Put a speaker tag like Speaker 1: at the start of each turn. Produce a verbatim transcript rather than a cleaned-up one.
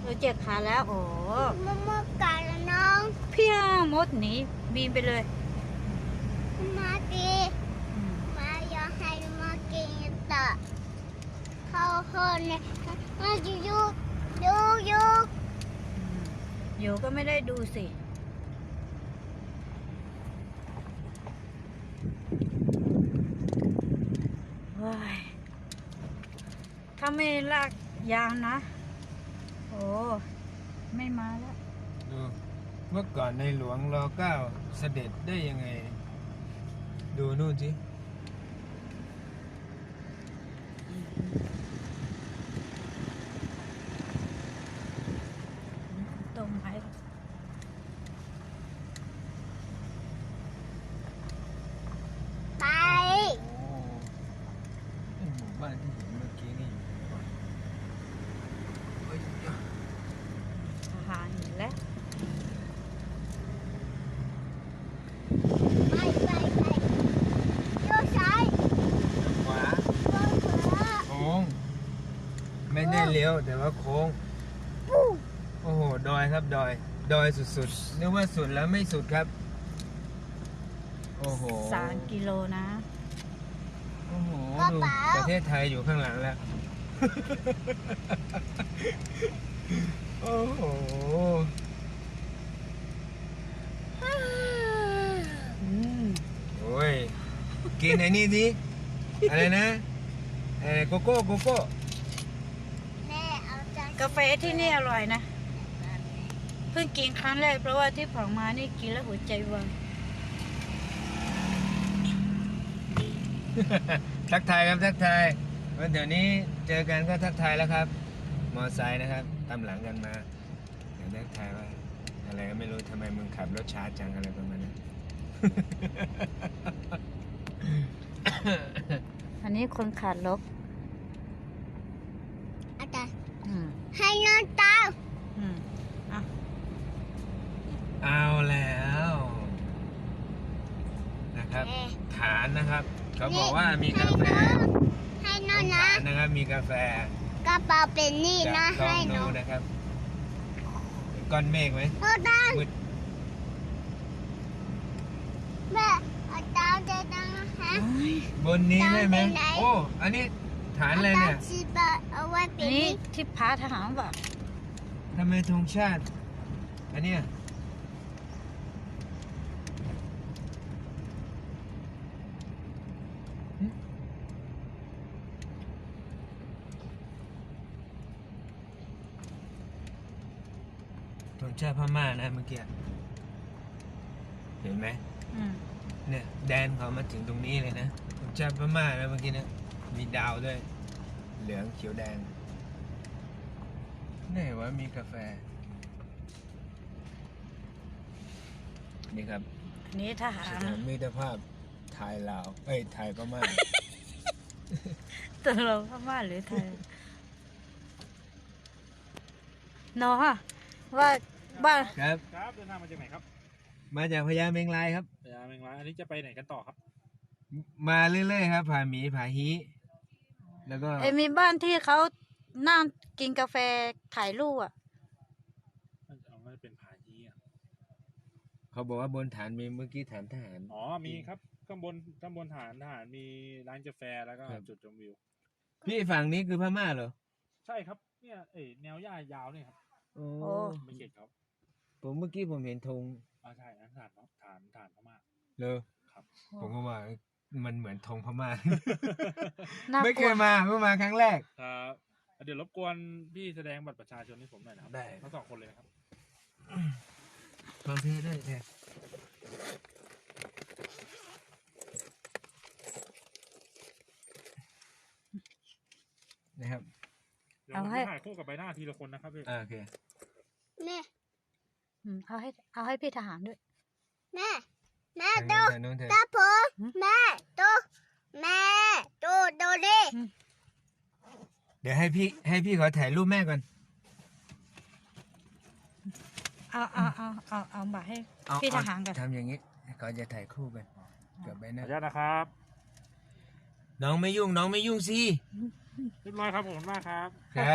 Speaker 1: อเจ็บขาแล้วโอ้
Speaker 2: มะม่วงกัดแล้วน้อง
Speaker 1: พี่มดหนีบีนไปเลย
Speaker 2: มาดีมาอยากให้มากินต่อเขาคนเนี่ยมาอยู่อยู่อยู่อยู่
Speaker 1: อยู่ก็ไม่ได้ดูสิว้ายถ้าไม่ลากยางนะโอ้ไม่มาแล้ว
Speaker 3: ดูเมื่อก่อนในหลวงรอเก้าเสด็จได้ยังไงดูนู่นสิ
Speaker 1: ตรงไหน
Speaker 2: ไป
Speaker 3: โอ้หมู่บ้านที่เห็นเมื่อกี้นี่อยู่ก่อนเฮ้ย
Speaker 1: ทหารเห็นแล้ว
Speaker 2: ไปไปไปโยกซ้าย
Speaker 3: ขวา
Speaker 2: โยกขวา
Speaker 3: โค้งไม่ได้เลี้ยวแต่ว่าโค้งโอ้โหดอยครับดอยดอยสุดๆนึกว่าสุดแล้วไม่สุดครับโอ้โห
Speaker 1: สามกิโลนะ
Speaker 3: โอ้โหดูประเทศไทยอยู่ข้างหลังแล้วโอ้โหโอ้ยกินไอ้นี่สิอะไรนะไอ้โกโก้โกโก้
Speaker 2: แม่เอาใจ
Speaker 1: กาแฟที่นี่อร่อยนะเพิ่งกินครั้งแรกเพราะว่าที่ผ่านมานี่กินแล้วหัวใจวาย
Speaker 3: ทักทายครับทักทายวันเดี๋ยวนี้เจอกันก็ทักทายแล้วครับมอไซค์นะครับตามหลังกันมาเดี๋ยวทักทายว่าอะไรก็ไม่รู้ทำไมมึงขับรถช้าจังอะไรประมาณนั้น
Speaker 1: อันนี้คนขาดลบ
Speaker 2: อาจารย์
Speaker 1: ให้
Speaker 2: นอนตา
Speaker 1: อืมอ่ะ
Speaker 3: เอาแล้วนะครับฐานนะครับเขาบอกว่ามีกาแฟ
Speaker 2: ให้นอนนะ
Speaker 3: นะครับมีกาแฟ
Speaker 2: กระเป๋าเป็นนี่นะให้
Speaker 3: นอนนะครับก้อนเมฆไหม
Speaker 2: โอ้ดังแม่อาจารย์จะดังฮะ
Speaker 3: บนนี้ได้ไหมโอ้อันนี้ฐานอะไรเนี่ย
Speaker 2: เอาไว้เป็
Speaker 1: นนี่ที่พาทหารป่ะ
Speaker 3: ทำไมธงชาติอันเนี้ยธงชาติพม่านะเมื่อกี้เห็นไหมเนี่ยแดนเขามาถึงตรงนี้เลยนะธงชาติพม่านะเมื่อกี้นะมีดาวด้วยเหลืองเขียวแดงนี่ว่ามีกาแฟนี่ครับ
Speaker 1: นี่ทหาร
Speaker 3: มิตรภาพไทยลาวเอ้ยไทยพม่า
Speaker 1: ตกลงพม่าหรือไทยเนาะว่าบ้าน
Speaker 3: ครับ
Speaker 4: ครับเดินทางมาจากไหนครับ
Speaker 3: มาจากพญาเมงรายครับ
Speaker 4: พญาเมงรายอันนี้จะไปไหนกันต่อครับ
Speaker 3: มาเรื่อยๆครับผาหมีผาฮีแล้วก็
Speaker 1: ไอ้มีบ้านที่เขานั่งกินกาแฟถ่ายรูปอ่ะ
Speaker 4: เอาไม่เป็นผาฮีอ่ะ
Speaker 3: เขาบอกว่าบนฐานมีเมื่อกี้ฐานทหาร
Speaker 4: อ๋อมีครับข้างบนข้างบนฐานทหารมีร้านกาแฟแล้วก็จุดชมวิว
Speaker 3: พี่ฝั่งนี้คือพม่าเหรอ
Speaker 4: ใช่ครับเนี่ยเอ๋แนวหญ้ายาวเนี่ยครับ
Speaker 3: โอ้
Speaker 4: ไม่เก็ตครับ
Speaker 3: ผมเมื่อกี้ผมเห็นธง
Speaker 4: อ่าใช่ฐานฐานฐานฐานพม่า
Speaker 3: เลย
Speaker 4: ครับ
Speaker 3: ผมก็ว่ามันเหมือนธงพม่าไม่เคยมาเพิ่งมาครั้งแรก
Speaker 4: ครับเดี๋ยวรบกวนพี่แสดงบัตรประชาชนให้ผมหน่อยนะครับ
Speaker 3: ได้
Speaker 4: ทั้งสองคนเลยนะครับ
Speaker 3: ฟังเพลงด้วยเนี่ยนะครับ
Speaker 4: เดี๋ยวผมจะถ่ายคู่กับใบหน้าทีละคนนะครับพี่
Speaker 3: โอเค
Speaker 2: แม่
Speaker 1: เอาให้เอาให้พี่ทหารด้วย
Speaker 2: แม่แม่ดูตาผมแม่ดูแม่ดูดูดิ
Speaker 3: เดี๋ยวให้พี่ให้พี่ขอถ่ายรูปแม่ก่อน
Speaker 1: เอาเอาเอาเอาเอาบัตรให้พี่ทหารก่อน
Speaker 3: ทำอย่างนี้เขาจะถ่ายคู่กันกับใบหน้า
Speaker 4: ขออนุญาตนะครับ
Speaker 3: น้องไม่ยุ่งน้องไม่ยุ่งสิ
Speaker 4: เรียบร้อยครับผมมากครับ